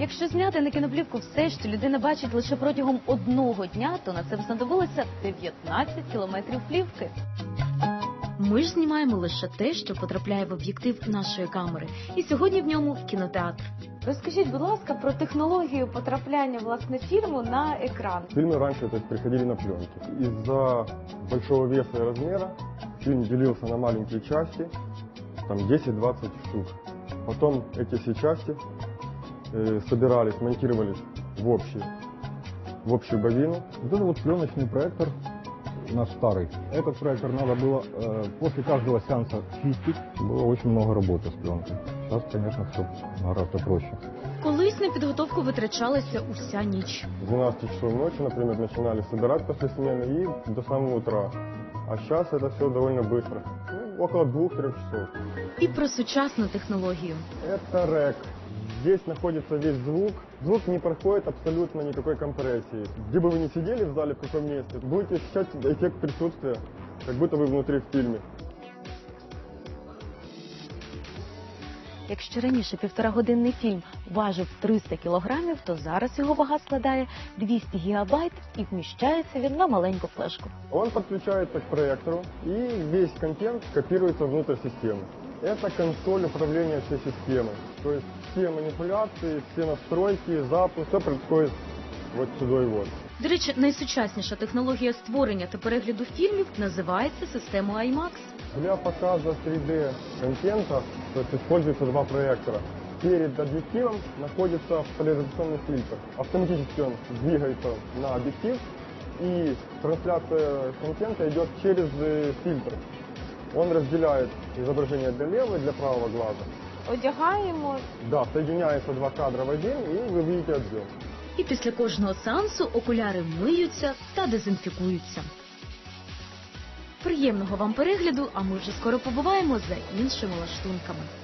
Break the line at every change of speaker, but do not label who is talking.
Якщо зняти на кіноплівку все, що людина бачить лише протягом одного дня, то на це знадобилося 19 кілометрів плівки. Ми ж знімаємо лише те, що потрапляє в об'єктив нашої камери. І сьогодні в ньому кінотеатр. Розкажіть, будь ласка, про технологію потрапляння, власне, фільму на екран.
Фильмы раньше приходили на пленки. Из-за большого веса и размера фильм делился на маленькие части, там 10-20 штук. Потом эти все части собирались, монтировались в общую бобину.
Вот это вот пленочный проектор наш старый. Этот проектор надо было после каждого сеанса чистить. Было очень много работы с пленкой. Сейчас, конечно, все гораздо проще.
Колись на підготовку витрачалася уся ніч.
С 12 часов ночи, например, начинали собирать после смены и до самого утра. А сейчас это все довольно быстро. Ну, около 2-3 часов.
І про сучасну технологію.
Это рэк. Здесь находится весь звук. Звук не проходит абсолютно никакой компрессии. Где бы вы ни сидели в зале, в каком месте, будете ощущать эффект присутствия, как будто вы внутри в фильме.
Якщо раніше півторагодинний фільм важив 300 кілограмів, то зараз його вага складає 200 гігабайт і вміщається він на маленьку флешку.
Он подключается к проектору, и весь контент копируется внутрь системы. Это консоль управления всей системой. То есть все манипуляции, все настройки, запуск, все происходит вот сюда и вот.
До речі, найсучасніша технологія створення та перегляду фільмів називається системою IMAX.
Для показа 3D контента, то есть используется два проектора. Перед объективом находится поляризационный фильтр. Автоматически он двигается на объектив, и трансляция контента идет через фильтр. Он разделяет изображение для левого и для правого глаза.
Одягаємо.
Да, соединяются два кадра в один, и вы видите объем.
І після кожного сеансу окуляри миються та дезінфікуються. Приємного вам перегляду, а ми вже скоро побуваємо за іншими лаштунками.